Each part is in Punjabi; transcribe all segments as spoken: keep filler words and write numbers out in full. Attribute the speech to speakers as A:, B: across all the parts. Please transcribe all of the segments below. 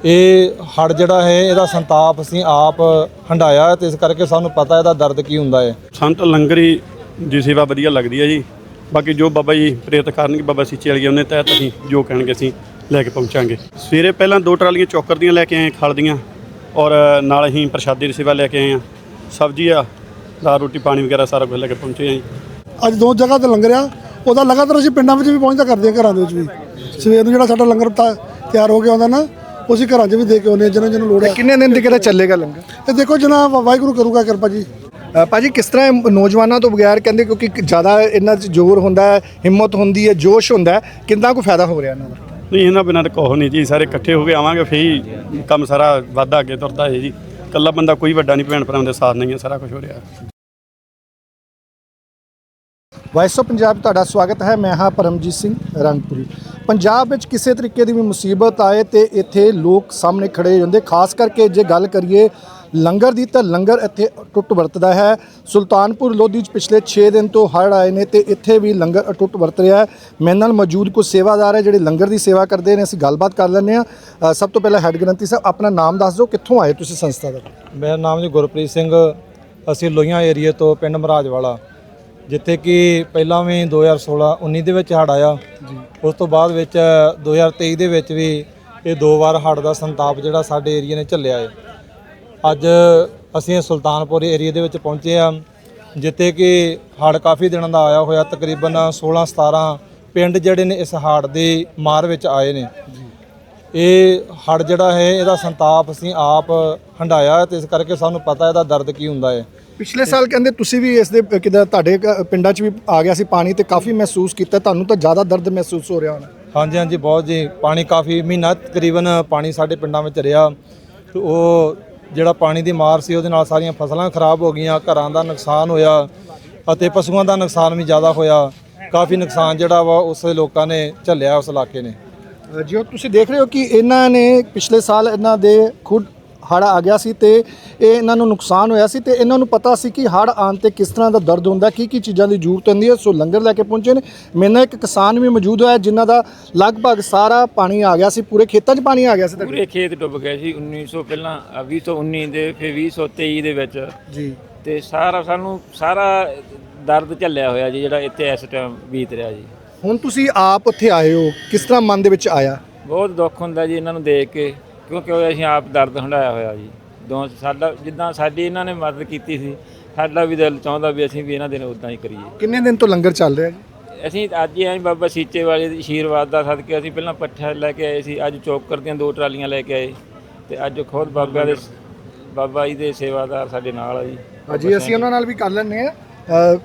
A: ਇਹ ਹੜ ਜਿਹੜਾ ਹੈ ਇਹਦਾ ਸੰਤਾਪ ਅਸੀਂ ਆਪ ਹੰਡਾਇਆ ਤੇ ਇਸ ਕਰਕੇ ਸਾਨੂੰ ਪਤਾ ਇਹਦਾ ਦਰਦ ਕੀ ਹੁੰਦਾ ਹੈ।
B: ਸੰਤ ਲੰਗਰੀ ਦੀ ਸੇਵਾ ਵਧੀਆ ਲੱਗਦੀ ਹੈ ਜੀ। ਬਾਕੀ ਜੋ ਬਾਬਾ ਜੀ ਪ੍ਰੇਰਿਤ ਕਰਨਗੇ ਬਾਬਾ ਸੀਚੇ ਵਾਲੀ ਉਹਨੇ ਤਹਿਤ ਅਸੀਂ ਜੋ ਕਹਿਣਗੇ ਅਸੀਂ ਲੈ ਕੇ ਪਹੁੰਚਾਂਗੇ। ਸਵੇਰੇ ਪਹਿਲਾਂ ਦੋ ਟਰਾਲੀਆਂ ਚੌਕਰ ਦੀਆਂ ਲੈ ਕੇ ਆਏ ਖਲ ਦੀਆਂ ਔਰ ਨਾਲ ਅਸੀਂ ਪ੍ਰਸ਼ਾਦੇ ਦੀ ਸੇਵਾ ਲੈ ਕੇ ਆਏ ਹਾਂ। ਸਬਜ਼ੀ ਆ ਦਾਲ ਰੋਟੀ ਪਾਣੀ ਵਗੈਰਾ ਸਾਰਾ ਕੁਝ ਲੈ ਕੇ ਪਹੁੰਚੇ ਹਾਂ ਜੀ।
C: ਅੱਜ ਦੋ ਜਗ੍ਹਾ ਤੇ ਲੰਗਰ ਆ, ਉਹਦਾ ਲਗਾਤਾਰ ਅਸੀਂ ਪਿੰਡਾਂ ਵਿੱਚ ਵੀ ਪਹੁੰਚਦਾ ਕਰਦੇ ਹਾਂ, ਘਰਾਂ ਦੇ ਵਿੱਚ ਵੀ। ਸਵੇਰ ਨੂੰ ਜਿਹੜਾ ਸਾਡਾ ਲੰਗਰ ਤਿਆਰ ਹੋ ਕੇ ਆਉਂਦਾ ਨਾ, ਅਸੀਂ ਘਰਾਂ 'ਚ ਵੀ ਦੇ ਕੇ ਆਉਂਦੇ ਹਾਂ ਜਿਹਨਾਂ ਜਿਹਨੂੰ ਲੋੜ ਹੈ।
D: ਕਿੰਨੇ ਦਿਨ ਤੱਕ ਚੱਲੇਗਾ ਲੰਗਰ?
C: ਇਹ ਦੇਖੋ ਜਨਾਬ ਵਾਹਿਗੁਰੂ ਕਰੂਗਾ ਕਿਰਪਾ ਜੀ।
D: ਭਾਜੀ ਕਿਸ ਤਰ੍ਹਾਂ ਨੌਜਵਾਨਾਂ ਤੋਂ ਬਗੈਰ ਕਹਿੰਦੇ ਕਿਉਂਕਿ ਜ਼ਿਆਦਾ ਇਹਨਾਂ 'ਚ ਜ਼ੋਰ ਹੁੰਦਾ ਹੈ, ਹਿੰਮਤ ਹੁੰਦੀ ਹੈ, ਜੋਸ਼ ਹੁੰਦਾ ਹੈ, ਕਿੰਨਾ ਕੁ ਫਾਇਦਾ ਹੋ ਰਿਹਾ ਇਹਨਾਂ ਦਾ?
B: ਨਹੀਂ ਇਹਨਾਂ ਬਿਨਾਂ ਤਾਂ ਕੁਛ ਨਹੀਂ ਜੀ। ਸਾਰੇ ਇਕੱਠੇ ਹੋ ਕੇ ਆਵਾਂਗੇ ਫਿਰ ਹੀ ਕੰਮ ਸਾਰਾ ਵਾਧਾ ਅੱਗੇ ਤੁਰਦਾ ਹੈ ਜੀ। ਇਕੱਲਾ ਬੰਦਾ ਕੋਈ ਵੱਡਾ ਨਹੀਂ, ਭੈਣ ਭਰਾਵਾਂ ਦੇ ਸਾਥ ਨਹੀਂ ਹੈ ਸਾਰਾ ਕੁਝ ਹੋ ਰਿਹਾ।
D: ਵਾਇਸ ਆਫ ਪੰਜਾਬ ਤੁਹਾਡਾ ਸਵਾਗਤ ਹੈ। ਮੈਂ ਹਾਂ ਪਰਮਜੀਤ ਸਿੰਘ ਰੰਗਪੁਰੀ। ਪੰਜਾਬ ਵਿੱਚ ਕਿਸੇ ਤਰੀਕੇ ਦੀ ਵੀ ਮੁਸੀਬਤ ਆਏ ਤੇ ਇੱਥੇ ਲੋਕ ਸਾਹਮਣੇ ਖੜੇ ਹੋ ਜਾਂਦੇ। ਖਾਸ ਕਰਕੇ ਜੇ ਗੱਲ ਕਰੀਏ ਲੰਗਰ ਦੀ ਤਾਂ ਲੰਗਰ ਇੱਥੇ ਅਟੁੱਟ ਵਰਤਦਾ ਹੈ। ਸੁਲਤਾਨਪੁਰ ਲੋਧੀ 'ਚ ਪਿਛਲੇ ਛੇ ਦਿਨ ਤੋਂ ਹੜ੍ਹ ਆਏ ਨੇ ਤੇ ਇੱਥੇ ਵੀ ਲੰਗਰ ਅਟੁੱਟ ਵਰਤ ਰਿਹਾ ਹੈ। ਮੇਰੇ ਨਾਲ ਮੌਜੂਦ ਕੁਝ ਸੇਵਾਦਾਰ ਹੈ ਜਿਹੜੇ ਲੰਗਰ ਦੀ ਸੇਵਾ ਕਰਦੇ ਨੇ। ਅਸੀਂ ਗੱਲਬਾਤ ਕਰ ਲੈਂਦੇ ਹਾਂ। ਸਭ ਤੋਂ ਪਹਿਲਾਂ ਹੈੱਡ ਗ੍ਰੰਥੀ ਸਾਹਿਬ ਆਪਣਾ ਨਾਮ ਦੱਸ ਦਿਓ, ਕਿੱਥੋਂ ਆਏ ਤੁਸੀਂ ਸੰਸਥਾ ਦਾ?
A: ਮੇਰਾ ਨਾਮ ਜੀ ਗੁਰਪ੍ਰੀਤ ਸਿੰਘ। ਅਸੀਂ ਲੋਹੀਆਂ ਏਰੀਏ ਤੋਂ ਪਿੰਡ ਮਹਾਰਾਜ ਵਾਲਾ, ਜਿੱਥੇ ਕਿ ਪਹਿਲਾਂ ਵੀ ਦੋ ਹਜ਼ਾਰ ਸੋਲਾਂ ਉੱਨੀ ਦੇ ਵਿੱਚ ਹੜ੍ਹ ਆਇਆ। ਉਸ ਤੋਂ ਬਾਅਦ ਵਿੱਚ ਦੋ ਹਜ਼ਾਰ ਤੇਈ ਦੇ ਵਿੱਚ ਵੀ ਇਹ ਦੋ ਵਾਰ ਹੜ੍ਹ ਦਾ ਸੰਤਾਪ ਜਿਹੜਾ ਸਾਡੇ ਏਰੀਏ ਨੇ ਝੱਲਿਆ ਹੈ। ਅੱਜ ਅਸੀਂ ਸੁਲਤਾਨਪੁਰ ਏਰੀਏ ਦੇ ਵਿੱਚ ਪਹੁੰਚੇ ਹਾਂ, ਜਿੱਥੇ ਕਿ ਹੜ੍ਹ ਕਾਫੀ ਦਿਨਾਂ ਦਾ ਆਇਆ ਹੋਇਆ। ਤਕਰੀਬਨ ਸੋਲਾਂ ਸਤਾਰਾਂ ਪਿੰਡ ਜਿਹੜੇ ਨੇ ਇਸ ਹੜ੍ਹ ਦੀ ਮਾਰ ਵਿੱਚ ਆਏ ਨੇ। ਇਹ ਹੜ੍ਹ ਜਿਹੜਾ ਹੈ ਇਹਦਾ ਸੰਤਾਪ ਅਸੀਂ ਆਪ ਹੰਡਾਇਆ ਤੇ ਇਸ ਕਰਕੇ ਸਾਨੂੰ ਪਤਾ ਇਹਦਾ ਦਰਦ ਕੀ ਹੁੰਦਾ ਹੈ।
D: ਪਿਛਲੇ ਸਾਲ ਕਹਿੰਦੇ ਤੁਸੀਂ ਵੀ ਇਸ ਦੇ ਕਿਦਾਂ ਤੁਹਾਡੇ ਪਿੰਡਾਂ 'ਚ ਵੀ ਆ ਗਿਆ ਸੀ ਪਾਣੀ ਤੇ ਕਾਫੀ ਮਹਿਸੂਸ ਕੀਤਾ, ਤੁਹਾਨੂੰ ਤਾਂ ਜ਼ਿਆਦਾ ਦਰਦ ਮਹਿਸੂਸ ਹੋ ਰਿਹਾ ਹੋਣਾ?
A: ਹਾਂਜੀ ਹਾਂਜੀ ਬਹੁਤ ਜੀ। ਪਾਣੀ ਕਾਫੀ ਮਹੀਨਾ ਤਕਰੀਬਨ ਪਾਣੀ ਸਾਡੇ ਪਿੰਡਾਂ ਵਿੱਚ ਰਿਹਾ। ਤੇ ਉਹ ਜਿਹੜਾ ਪਾਣੀ ਦੀ ਮਾਰ ਸੀ ਉਹਦੇ ਨਾਲ ਸਾਰੀਆਂ ਫਸਲਾਂ ਖਰਾਬ ਹੋ ਗਈਆਂ, ਘਰਾਂ ਦਾ ਨੁਕਸਾਨ ਹੋਇਆ ਅਤੇ ਪਸ਼ੂਆਂ ਦਾ ਨੁਕਸਾਨ ਵੀ ਜ਼ਿਆਦਾ ਹੋਇਆ। ਕਾਫੀ ਨੁਕਸਾਨ ਜਿਹੜਾ ਵਾ ਉਸ ਲੋਕਾਂ ਨੇ ਝੱਲਿਆ, ਉਸ ਇਲਾਕੇ ਨੇ।
D: ਜਿਉਂ ਤੁਸੀਂ ਦੇਖ ਰਹੇ ਹੋ ਕਿ ਇਹਨਾਂ ਨੇ ਪਿਛਲੇ ਸਾਲ ਇਹਨਾਂ ਦੇ ਖੁਦ ਹੜ੍ਹ ਆ ਗਿਆ ਸੀ ਤੇ ਇਹ ਇਹਨਾਂ ਨੂੰ ਨੁਕਸਾਨ ਹੋਇਆ ਸੀ ਤੇ ਇਹਨਾਂ ਨੂੰ ਪਤਾ ਸੀ ਕਿ ਹੜ੍ਹ ਆਉਣ 'ਤੇ ਕਿਸ ਤਰ੍ਹਾਂ ਦਾ ਦਰਦ ਹੁੰਦਾ, ਕੀ ਕੀ ਚੀਜ਼ਾਂ ਦੀ ਜ਼ਰੂਰਤ ਹੁੰਦੀ ਹੈ। ਸੋ ਲੰਗਰ ਲੈ ਕੇ ਪਹੁੰਚੇ ਨੇ। ਮੇਰੇ ਨਾਲ ਇੱਕ ਕਿਸਾਨ ਵੀ ਮੌਜੂਦ ਹੋਇਆ ਜਿਨ੍ਹਾਂ ਦਾ ਲਗਭਗ ਸਾਰਾ ਪਾਣੀ ਆ ਗਿਆ ਸੀ, ਪੂਰੇ ਖੇਤਾਂ 'ਚ ਪਾਣੀ ਆ ਗਿਆ ਸੀ।
E: ਪੂਰੇ ਖੇਤ ਡੁੱਬ ਗਏ ਸੀ ਉੱਨੀ ਸੌ ਪਹਿਲਾਂ ਵੀਹ ਸੌ ਉੱਨੀ ਦੇ, ਫਿਰ ਵੀਹ ਸੌ ਤੇਈ ਦੇ ਵਿੱਚ
D: ਜੀ।
E: ਤੇ ਸਾਰਾ ਸਾਨੂੰ ਸਾਰਾ ਦਰਦ ਝੱਲਿਆ ਹੋਇਆ ਜੀ, ਜਿਹੜਾ ਇੱਥੇ ਇਸ ਟਾਈਮ ਬੀਤ ਰਿਹਾ ਜੀ।
D: ਹੁਣ ਤੁਸੀਂ ਆਪ ਉੱਥੇ ਆਏ ਹੋ, ਕਿਸ ਤਰ੍ਹਾਂ ਮਨ ਦੇ ਵਿੱਚ ਆਇਆ?
E: ਬਹੁਤ ਦੁੱਖ ਹੁੰਦਾ ਜੀ ਇਹਨਾਂ ਨੂੰ ਦੇਖ ਕੇ, ਕਿਉਂਕਿ ਅਸੀਂ ਆਪ ਦਰਦ ਹੰਢਾਇਆ ਹੋਇਆ ਜੀ। ਦੋ ਸਾਡਾ ਜਿੱਦਾਂ ਸਾਡੀ ਇਹਨਾਂ ਨੇ ਮਦਦ ਕੀਤੀ ਸੀ, ਸਾਡਾ ਵੀ ਦਿਲ ਚਾਹੁੰਦਾ ਵੀ ਅਸੀਂ ਵੀ ਇਹਨਾਂ ਦੇ ਨਾਲ ਉੱਦਾਂ ਹੀ ਕਰੀਏ।
D: ਕਿੰਨੇ ਦਿਨ ਤੋਂ ਲੰਗਰ ਚੱਲ ਰਿਹਾ ਜੀ?
E: ਅਸੀਂ ਅੱਜ ਹੀ ਆਏ ਬਾਬਾ ਸੀਚੇ ਵਾਲੇ ਦੇ ਆਸ਼ੀਰਵਾਦ ਦਾ ਸਦਕੇ ਅਸੀਂ ਪਹਿਲਾਂ ਪੱਠਾ ਲੈ ਕੇ ਆਏ ਸੀ, ਅੱਜ ਚੌਕਰ ਦੀਆਂ ਦੋ ਟਰਾਲੀਆਂ ਲੈ ਕੇ ਆਏ ਤੇ ਅੱਜ ਖੁਦ ਬਾਬਾ ਦੇ ਬਾਬਾ ਜੀ ਦੇ ਸੇਵਾਦਾਰ ਸਾਡੇ ਨਾਲ ਆ ਜੀ।
D: ਹਾਂਜੀ ਅਸੀਂ ਉਹਨਾਂ ਨਾਲ ਵੀ ਕਰ ਲੈਂਦੇ ਹਾਂ।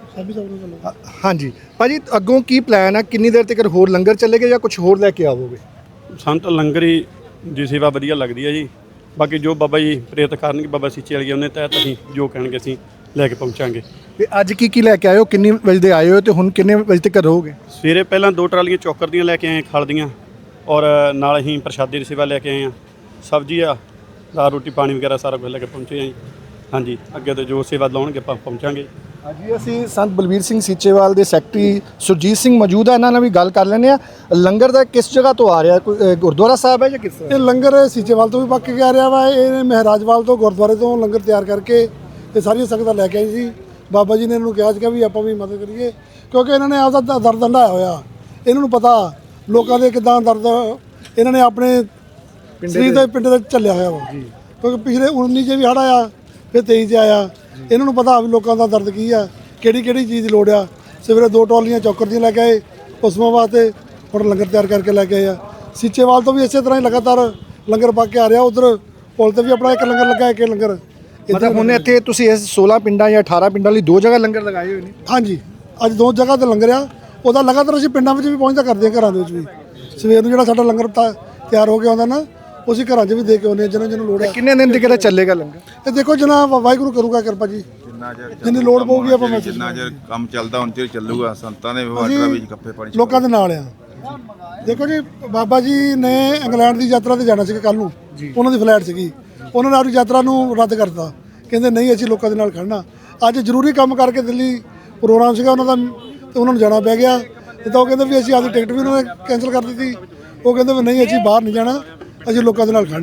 D: ਹਾਂਜੀ ਭਾਜੀ, ਅੱਗੋਂ ਕੀ ਪਲਾਨ ਹੈ? ਕਿੰਨੀ ਦੇਰ ਤੱਕ ਹੋਰ ਲੰਗਰ ਚੱਲੇਗਾ ਜਾਂ ਕੁਝ ਹੋਰ ਲੈ ਕੇ ਆਵੋਗੇ?
B: ਸੰਤ ਲੰਗਰੀ ਦੀ ਸੇਵਾ ਵਧੀਆ ਲੱਗਦੀ ਹੈ ਜੀ। ਬਾਕੀ ਜੋ ਬਾਬਾ ਜੀ ਪ੍ਰੇਰਿਤ ਕਰਨਗੇ ਬਾਬਾ ਸੀਚੇ ਵਾਲੀ ਉਹਨੇ ਤਹਿਤ ਅਸੀਂ ਜੋ ਕਹਿਣਗੇ ਅਸੀਂ ਲੈ ਕੇ ਪਹੁੰਚਾਂਗੇ।
D: ਤੇ ਅੱਜ ਕੀ ਕੀ ਲੈ ਕੇ ਆਏ ਹੋ? ਕਿੰਨੇ ਵਜੇ ਦੇ ਆਏ ਹੋ ਤੇ ਹੁਣ ਕਿੰਨੇ ਵਜੇ ਤੱਕ ਰਹੋਗੇ?
B: ਸਵੇਰੇ ਪਹਿਲਾਂ ਦੋ ਟਰਾਲੀਆਂ ਚੌਕਰ ਦੀਆਂ ਲੈ ਕੇ ਆਏ ਖਲ ਦੀਆਂ ਔਰ ਨਾਲ ਅਸੀਂ ਪ੍ਰਸ਼ਾਦੇ ਦੀ ਸੇਵਾ ਲੈ ਕੇ ਆਏ ਹਾਂ। ਸਬਜ਼ੀ ਆ ਦਾਲ ਰੋਟੀ ਪਾਣੀ ਵਗੈਰਾ ਸਾਰਾ ਕੁਝ ਲੈ ਕੇ ਪਹੁੰਚੇ ਹਾਂ ਜੀ। ਹਾਂਜੀ ਅੱਗੇ ਤੋਂ ਜੋ ਸੇਵਾ ਲਾਉਣਗੇ ਆਪਾਂ ਪਹੁੰਚਾਂਗੇ।
D: ਹਾਂਜੀ ਅਸੀਂ ਸੰਤ ਬਲਵੀਰ ਸਿੰਘ ਸੀਚੇਵਾਲ ਦੇ ਸੈਕਟਰੀ ਸੁਰਜੀਤ ਸਿੰਘ ਮੌਜੂਦ ਹੈ, ਇਹਨਾਂ ਨਾਲ ਵੀ ਗੱਲ ਕਰ ਲੈਂਦੇ ਆ। ਲੰਗਰ ਦਾ ਕਿਸ ਜਗ੍ਹਾ ਤੋਂ ਆ ਰਿਹਾ? ਕੋਈ ਗੁਰਦੁਆਰਾ ਸਾਹਿਬ ਹੈ ਜਾਂ ਕਿਸ ਤਰ੍ਹਾਂ?
C: ਇਹ ਲੰਗਰ ਸੀਚੇਵਾਲ ਤੋਂ ਵੀ ਪੱਕ ਕੇ ਆ ਰਿਹਾ ਵਾ। ਇਹ ਮਹਾਰਾਜਵਾਲ ਤੋਂ ਗੁਰਦੁਆਰੇ ਤੋਂ ਲੰਗਰ ਤਿਆਰ ਕਰਕੇ ਇਹ ਸਾਰੀਆਂ ਸੰਗਤਾਂ ਲੈ ਕੇ ਆਈ ਸੀ। ਬਾਬਾ ਜੀ ਨੇ ਇਹਨੂੰ ਕਿਹਾ ਸੀਗਾ ਵੀ ਆਪਾਂ ਵੀ ਮਦਦ ਕਰੀਏ, ਕਿਉਂਕਿ ਇਹਨਾਂ ਨੇ ਆਪਦਾ ਦਰਦ ਹੰਢਾਇਆ ਹੋਇਆ। ਇਹਨਾਂ ਨੂੰ ਪਤਾ ਲੋਕਾਂ ਦੇ ਕਿੱਦਾਂ ਦਰਦ ਇਹਨਾਂ ਨੇ ਆਪਣੇ ਸਰੀਰ ਦੇ ਪਿੰਡ ਦੇ ਝੱਲਿਆ ਹੋਇਆ ਵਾ। ਕਿਉਂਕਿ ਪਿਛਲੇ ਉੱਨੀ 'ਚ ਵੀ ਹੜ੍ਹ ਆਇਆ, ਫਿਰ ਤੇਈ 'ਚ ਆਇਆ। ਇਹਨਾਂ ਨੂੰ ਪਤਾ ਵੀ ਲੋਕਾਂ ਦਾ ਦਰਦ ਕੀ ਆ, ਕਿਹੜੀ ਕਿਹੜੀ ਚੀਜ਼ ਦੀ ਲੋੜ ਆ। ਸਵੇਰੇ ਦੋ ਟਰਾਲੀਆਂ ਚੌਕਰ ਦੀਆਂ ਲੈ ਕੇ ਆਏ ਪਸ਼ੂਆਂ ਵਾਸਤੇ, ਹੁਣ ਲੰਗਰ ਤਿਆਰ ਕਰਕੇ ਲੈ ਕੇ ਆਏ ਆ। ਸੀਚੇਵਾਲ ਤੋਂ ਵੀ ਇਸੇ ਤਰ੍ਹਾਂ ਹੀ ਲਗਾਤਾਰ ਲੰਗਰ ਪੱਕ ਕੇ ਆ ਰਿਹਾ। ਉਧਰ ਪੁਲ ਤੇ ਵੀ ਆਪਣਾ ਇੱਕ ਲੰਗਰ ਲੱਗਾ, ਇੱਕ ਲੰਗਰ
D: ਮਤਲਬ ਹੁਣ ਇੱਥੇ ਤੁਸੀਂ ਇਸ ਸੋਲਾਂ ਪਿੰਡਾਂ ਜਾਂ ਅਠਾਰਾਂ ਪਿੰਡਾਂ ਲਈ ਦੋ ਜਗ੍ਹਾ ਲੰਗਰ ਲਗਾਏ ਹੋਏ ਨੇ?
C: ਹਾਂਜੀ ਅੱਜ ਦੋ ਜਗ੍ਹਾ ਤੇ ਲੰਗਰ ਆ। ਉਹਦਾ ਲਗਾਤਾਰ ਅਸੀਂ ਪਿੰਡਾਂ ਵਿੱਚ ਵੀ ਪਹੁੰਚਦਾ ਕਰਦੇ ਹਾਂ, ਘਰਾਂ ਦੇ ਵਿੱਚ ਵੀ। ਸਵੇਰ ਨੂੰ ਜਿਹੜਾ ਸਾਡਾ ਲੰਗਰ ਤਿਆਰ ਹੋ ਕੇ ਆਉਂਦਾ ਨਾ, ਅਸੀਂ ਘਰਾਂ 'ਚ ਵੀ ਦੇ ਕੇ ਆਉਂਦੇ ਹਾਂ ਜਿਹਨਾਂ ਜਿਹਨੂੰ ਲੋੜ ਹੈ।
D: ਕਿੰਨੇ ਦਿਨ ਤੱਕ ਚੱਲੇਗਾ ਲੰਗਰ?
C: ਇਹ ਦੇਖੋ ਜਨਾਬ ਵਾਹਿਗੁਰੂ ਕਰੂਗਾ ਕਿਰਪਾ ਜੀ। ਜਿੰਨੀ ਲੋੜ ਪਊਗੀ ਆਪਾਂ ਮੈਸੇਜ
F: ਜਿੰਨਾ ਚਿਰ ਕੰਮ ਚੱਲਦਾ ਹੁਣ ਚਿਰ ਚੱਲੂਗਾ। ਸੰਤਾਂ ਦੇ ਵਾਟਰਾਂ ਵਿੱਚ ਕੱਪੇ ਪਾਣੀ
C: ਲੋਕਾਂ ਦੇ ਨਾਲ ਆ। ਦੇਖੋ ਜੀ ਬਾਬਾ ਜੀ ਨੇ ਇੰਗਲੈਂਡ ਦੀ ਯਾਤਰਾ ਤੇ ਜਾਣਾ ਸੀ ਕੱਲ ਨੂੰ, ਉਹਨਾਂ ਦੀ ਫਲਾਈਟ ਸੀਗੀ। ਉਹਨਾਂ ਨੇ ਆਪਣੀ ਯਾਤਰਾ ਨੂੰ ਰੱਦ ਕਰਤਾ, ਕਹਿੰਦੇ ਨਹੀਂ ਅਸੀਂ ਲੋਕਾਂ ਦੇ ਨਾਲ ਖੜਨਾ। ਅੱਜ ਜ਼ਰੂਰੀ ਕੰਮ ਕਰਕੇ ਦਿੱਲੀ ਪ੍ਰੋਗਰਾਮ ਸੀਗਾ ਉਹਨਾਂ ਦਾ ਤੇ ਉਹਨਾਂ ਨੂੰ ਜਾਣਾ ਪੈ ਗਿਆ। ਤੇ ਤਾਂ ਉਹ ਕਹਿੰਦੇ ਵੀ ਅਸੀਂ ਆਪਣੀ ਟਿਕਟ ਵੀ ਉਹਨਾਂ ਨੇ ਕੈਂਸਲ ਕਰ ਦਿੱਤੀ। ਉਹ ਕਹਿੰਦੇ ਵੀ ਨਹੀਂ ਅਸੀਂ ਬਾਹਰ ਨਹੀਂ ਜਾਣਾ, ਅਸੀਂ ਲੋਕਾਂ ਦੇ ਨਾਲ ਖੜਨਾ।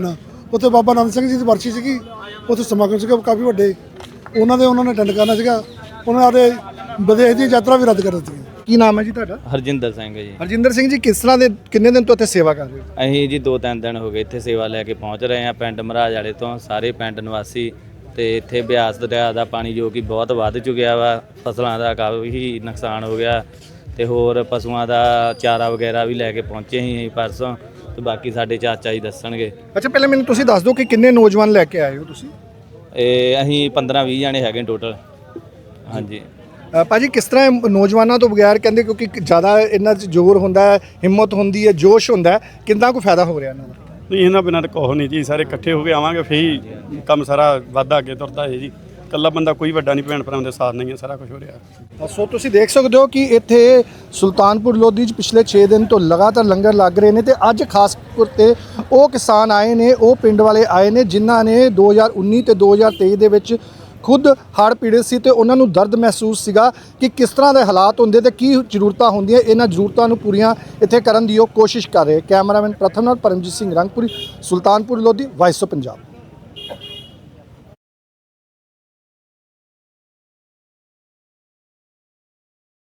C: ਉੱਥੇ ਬਾਬਾ ਆਨੰਦ ਸਿੰਘ ਜੀ ਦੀ ਵਰਸੀ ਸੀਗੀ, ਉੱਥੇ ਸਮਾਗਮ ਸੀਗਾ ਕਾਫੀ ਵੱਡੇ, ਉਹਨਾਂ ਦੇ ਉਹਨਾਂ ਨੇ ਅਟੈਂਡ ਕਰਨਾ ਸੀਗਾ। ਉਹਨਾਂ ਦੇ ਵਿਦੇਸ਼ ਦੀ ਯਾਤਰਾ ਵੀ ਰੱਦ ਕਰ ਦਿੱਤੀ।
D: ਕੀ ਨਾਮ ਹੈ ਜੀ ਤੁਹਾਡਾ?
G: ਹਰਜਿੰਦਰ ਸਿੰਘ ਜੀ।
D: ਹਰਜਿੰਦਰ ਸਿੰਘ ਜੀ, ਕਿਸ ਤਰ੍ਹਾਂ ਦੇ ਕਿੰਨੇ ਦਿਨ ਤੋਂ ਇੱਥੇ ਸੇਵਾ ਕਰ ਰਹੇ ਹੋ?
G: ਅਸੀਂ ਜੀ ਦੋ ਤਿੰਨ ਦਿਨ ਹੋ ਗਏ ਇੱਥੇ ਸੇਵਾ ਲੈ ਕੇ ਪਹੁੰਚ ਰਹੇ ਹਾਂ ਪਿੰਡ ਮਹਾਰਾਜ ਵਾਲੇ ਤੋਂ। ਸਾਰੇ ਪਿੰਡ ਨਿਵਾਸੀ ਤੇ ਇੱਥੇ ਬਿਆਸ ਦਰਿਆ ਦਾ ਪਾਣੀ ਜੋ ਕਿ ਬਹੁਤ ਵੱਧ ਚੁੱਕਿਆ ਵਾ, ਫਸਲਾਂ ਦਾ ਕਾਫੀ ਨੁਕਸਾਨ ਹੋ ਗਿਆ ਤੇ ਹੋਰ ਪਸ਼ੂਆਂ ਦਾ ਚਾਰਾ ਵਗੈਰਾ ਵੀ ਲੈ ਕੇ ਪਹੁੰਚੇ ਸੀ ਪਰਸੋਂ, ਤੇ ਬਾਕੀ ਸਾਡੇ ਚਾਚਾ ਜੀ ਦੱਸਣਗੇ।
D: ਅੱਛਾ, ਪਹਿਲਾਂ ਮੈਨੂੰ ਤੁਸੀਂ ਦੱਸ ਦਿਓ ਕਿ ਕਿੰਨੇ ਨੌਜਵਾਨ ਲੈ ਕੇ ਆਏ ਹੋ ਤੁਸੀਂ?
G: ਇਹ ਅਸੀਂ ਪੰਦਰਾਂ ਵੀਹ ਜਾਣੇ ਹੈਗੇ ਟੋਟਲ। ਹਾਂਜੀ
D: ਅ, ਭਾਜੀ ਕਿਸ ਤਰ੍ਹਾਂ ਇਹ ਨੌਜਵਾਨਾਂ ਤੋਂ ਬਗੈਰ ਕਹਿੰਦੇ, ਕਿਉਂਕਿ ਜ਼ਿਆਦਾ ਇਹਨਾਂ 'ਚ ਜ਼ੋਰ ਹੁੰਦਾ ਹੈ, ਹਿੰਮਤ ਹੁੰਦੀ ਹੈ, ਜੋਸ਼ ਹੁੰਦਾ ਹੈ, ਕਿੰਨਾ ਕੁ ਫਾਇਦਾ ਹੋ ਰਿਹਾ ਇਹਨਾਂ ਦਾ?
B: ਨਹੀਂ ਇਹਨਾਂ ਬਿਨਾਂ ਤਾਂ ਕੁਛ ਨਹੀਂ ਜੀ, ਸਾਰੇ ਇਕੱਠੇ ਹੋ ਕੇ ਆਵਾਂਗੇ ਫੇਰ ਹੀ ਕੰਮ ਸਾਰਾ ਵਾਧਾ ਅੱਗੇ ਤੁਰਦਾ ਹੈ ਜੀ। ਇਕੱਲਾ ਬੰਦਾ ਕੋਈ ਵੱਡਾ ਨਹੀਂ, ਭੈਣ ਭਰਾਵਾਂ ਦੇ ਸਾਥ ਨਹੀਂ ਹੈ ਸਾਰਾ ਕੁਝ ਹੋ ਰਿਹਾ।
D: ਸੋ ਤੁਸੀਂ ਦੇਖ ਸਕਦੇ ਹੋ ਕਿ ਇੱਥੇ ਸੁਲਤਾਨਪੁਰ ਲੋਧੀ 'ਚ ਪਿਛਲੇ ਛੇ ਦਿਨ ਤੋਂ ਲਗਾਤਾਰ ਲੰਗਰ ਲੱਗ ਰਹੇ ਨੇ ਤੇ ਅੱਜ ਖਾਸ ਤੌਰ ਤੇ ਉਹ ਕਿਸਾਨ ਆਏ ਨੇ, ਉਹ ਪਿੰਡ ਵਾਲੇ ਆਏ ਨੇ ਜਿਨ੍ਹਾਂ ਨੇ ਦੋ ਹਜ਼ਾਰ ਉੱਨੀ ਤੇ ਦੋ ਹਜ਼ਾਰ ਤੇਈ ਦੇ ਵਿੱਚ ਖੁਦ ਹੜ੍ਹ ਪੀੜਤ ਸੀ ਤੇ ਉਹਨਾਂ ਨੂੰ ਦਰਦ ਮਹਿਸੂਸ ਸੀਗਾ ਕਿ ਕਿਸ ਤਰ੍ਹਾਂ ਦੇ ਹਾਲਾਤ ਹੁੰਦੇ ਤੇ ਕੀ ਜ਼ਰੂਰਤਾਂ ਹੁੰਦੀਆਂ। ਇਹਨਾਂ ਜ਼ਰੂਰਤਾਂ ਨੂੰ ਪੂਰੀਆਂ ਇੱਥੇ ਕਰਨ ਦੀ ਉਹ ਕੋਸ਼ਿਸ਼ ਕਰ ਰਹੇ। ਕੈਮਰਾਮੈਨ ਪ੍ਰਥਮ ਨਾਲ ਪਰਮਜੀਤ ਸਿੰਘ ਰੰਗਪੁਰੀ, ਸੁਲਤਾਨਪੁਰ ਲੋਧੀ, ਵਾਇਸ ਆਫ ਪੰਜਾਬ।